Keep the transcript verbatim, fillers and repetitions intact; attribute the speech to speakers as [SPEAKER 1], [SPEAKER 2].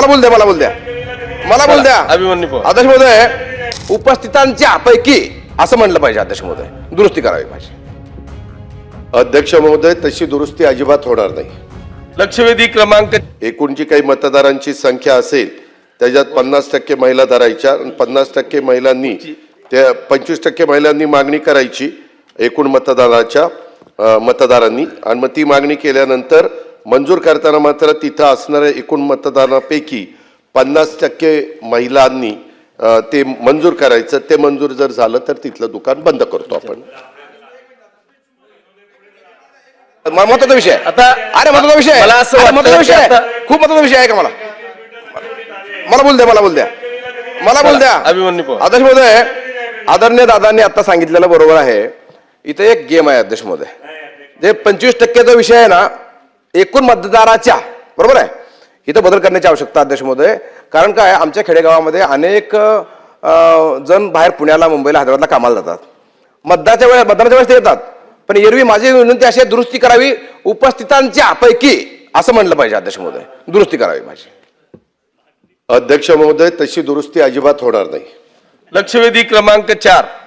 [SPEAKER 1] मला बोल द्या मला बोल द्या मला बोल द्या
[SPEAKER 2] अभिमन्यू पवार.
[SPEAKER 1] अध्यक्ष महोदय, उपस्थितांच्या पैकी असं म्हणलं पाहिजे. अध्यक्ष महोदय, दुरुस्ती करावी पाहिजे.
[SPEAKER 3] अध्यक्ष महोदय, तशी दुरुस्ती अजिबात होणार नाही.
[SPEAKER 2] लक्षवेधी क्रमांक
[SPEAKER 3] एकूण जी काही मतदारांची संख्या असेल त्याच्यात पन्नास टक्के महिला धरायच्या आणि पन्नास टक्के महिलांनी त्या पंचवीस टक्के महिलांनी मागणी करायची एकूण मतदाराच्या अ, मतदारांनी, आणि मग ती मागणी केल्यानंतर मंजूर करताना मात्र तिथं असणाऱ्या एकूण मतदारांपैकी पन्नास टक्के महिलांनी अ, ते मंजूर करायचं. ते मंजूर जर झालं तर तिथलं दुकान बंद करतो आपण.
[SPEAKER 1] महत्वाचा विषय
[SPEAKER 2] आता
[SPEAKER 1] अरे महत्वाचा विषय
[SPEAKER 2] मला असं
[SPEAKER 1] अरे,
[SPEAKER 2] वाटतं
[SPEAKER 1] महत्वाचा विषय
[SPEAKER 2] की
[SPEAKER 1] आहे.
[SPEAKER 2] आता-
[SPEAKER 1] खूप महत्वाचा विषय आहे का? मला मला बोल द्या मला बोल द्या मला बोल द्या
[SPEAKER 2] अभिमन्यू पवार.
[SPEAKER 1] अध्यक्ष महोदय, आदरणीय दादांनी आता सांगितलेलं बरोबर आहे. इथे एक गेम आहे अध्यक्ष महोदय. जे पंचवीस टक्केचा विषय आहे ना, एकूण मतदाराच्या, बरोबर आहे, इथं बदल करण्याची आवश्यकता अध्यक्ष महोदय. कारण काय, आमच्या खेडेगावामध्ये अनेक अं, जण बाहेर पुण्याला, मुंबईला, हैदराबादला कामाला जातात. मतदानाच्या वेळेस मतदानाच्या वेळेस ते येतात, पण एरवी माझी विनंती अशी आहे, दुरुस्ती करावी उपस्थितांच्या पैकी असं म्हणलं पाहिजे. अध्यक्ष महोदय, दुरुस्ती करावी पाहिजे.
[SPEAKER 3] अध्यक्ष महोदय, तशी दुरुस्ती अजिबात होणार नाही.
[SPEAKER 2] लक्षवेधी क्रमांक चार